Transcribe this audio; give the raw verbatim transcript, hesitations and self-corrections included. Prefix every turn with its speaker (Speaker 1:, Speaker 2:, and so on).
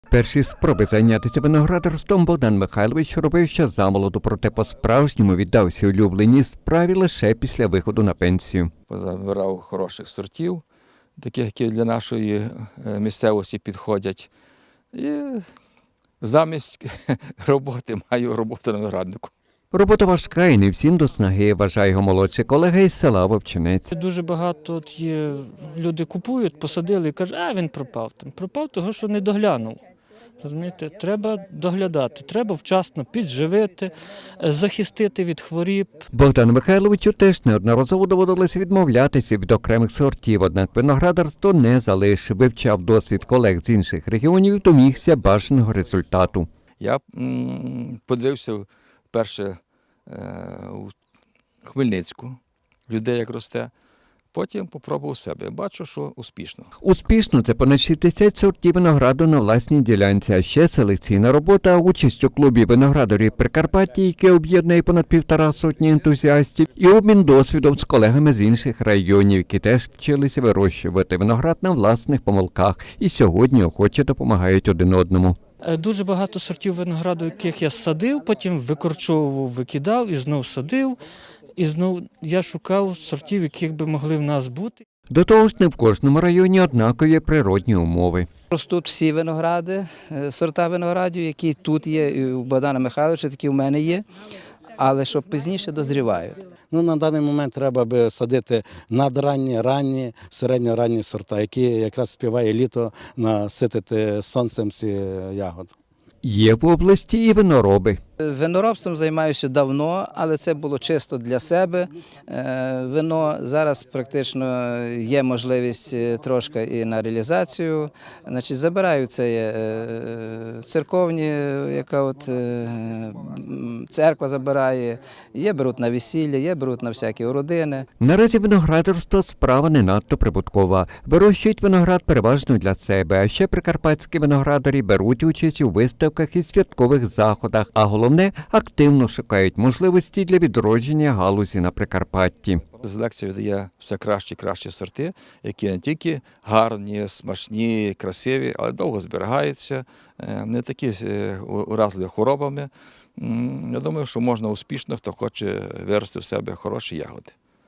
Speaker 1: Перші спроби зайнятися виноградарством Богдан Михайлович робив ще замолоду, проте по-справжньому віддався улюбленій справі лише після виходу на пенсію.
Speaker 2: Позабирав хороших сортів, таких, які для нашої місцевості підходять. І замість роботи маю роботу на винограднику.
Speaker 1: Робота важка і не всім до снаги, вважає його молодший колега із села Вовчинець.
Speaker 3: Дуже багато от є, люди купують, посадили і кажуть, а він пропав. Там пропав того, що не доглянув. Розумієте? Треба доглядати, треба вчасно підживити, захистити від хворіб.
Speaker 1: Богдану Михайловичу теж неодноразово доводилося відмовлятися від окремих сортів, однак виноградарство не залишив, вивчав досвід колег з інших регіонів і домігся бажаного результату.
Speaker 2: Я м, подивився перше е, у Хмельницьку, людей як росте, потім попробував себе. Бачу, що успішно.
Speaker 1: Успішно – це понад шістдесят сортів винограду на власній ділянці, а ще селекційна робота, участь у клубі виноградарів Прикарпаття, яке об'єднує понад півтора сотні ентузіастів, і обмін досвідом з колегами з інших районів, які теж вчилися вирощувати виноград на власних помилках і сьогодні охоче допомагають один одному.
Speaker 3: Дуже багато сортів винограду, яких я садив, потім викорчовував, викидав і знов садив. І знов я шукав сортів, яких би могли в нас бути.
Speaker 1: До того ж, не в кожному районі однакові природні умови.
Speaker 4: Ростуть всі виногради, сорта виноградів, які тут є, і у Богдана Михайловича, такі в мене є, але що пізніше дозрівають.
Speaker 5: Ну, на даний момент треба би садити надранні, ранні, середньоранні сорта, які якраз співає літо наситити сонцем ці ягоди.
Speaker 1: Є в області і винороби.
Speaker 4: Виноробством займаюся давно, але це було чисто для себе. Вино зараз практично є можливість трошки і на реалізацію. Значить, забираю це церковні, яка от церква забирає, є беруть на весілля, є беруть на всякі родини.
Speaker 1: Наразі виноградарство – справа не надто прибуткова. Вирощують виноград переважно для себе, а ще прикарпатські виноградарі беруть участь у виставках і святкових заходах, а головне – активно шукають можливості для відродження галузі на Прикарпатті.
Speaker 2: Селекція видає все кращі і кращі сорти, які не тільки гарні, смачні, красиві, але довго зберігаються, не такі уразливі хворобами. Я думаю, що можна успішно, хто хоче вирости в себе хороші ягоди.